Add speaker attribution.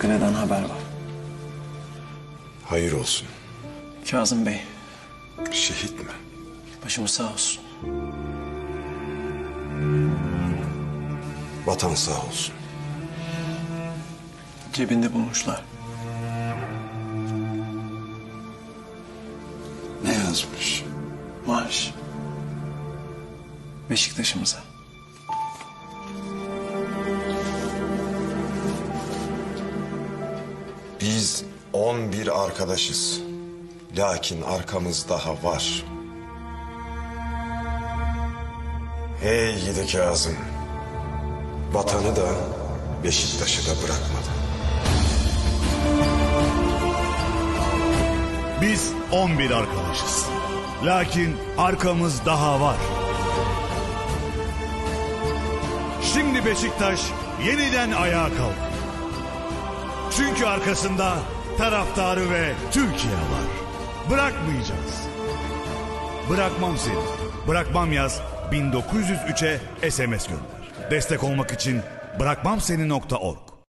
Speaker 1: Çanakkale'den haber var.
Speaker 2: Hayır olsun.
Speaker 1: Kazım Bey,
Speaker 2: Şehit mi?
Speaker 1: başımız sağ olsun.
Speaker 2: Vatan sağ olsun.
Speaker 1: Cebinde bulmuşlar.
Speaker 2: Ne yazmış?
Speaker 1: Marş. Beşiktaş'ımıza.
Speaker 2: Biz 11 arkadaşız. Lakin arkamız daha var. Hey gidi Kazım. Vatanı da Beşiktaş'ı da bırakmadı.
Speaker 3: Biz 11 arkadaşız. Lakin arkamız daha var. Şimdi Beşiktaş yeniden ayağa kalktı. Çünkü arkasında taraftarı ve Türkiye var. Bırakmayacağız. Bırakmam seni. Bırakmam yaz 1903'e SMS gönder. Destek olmak için bırakmamseni.org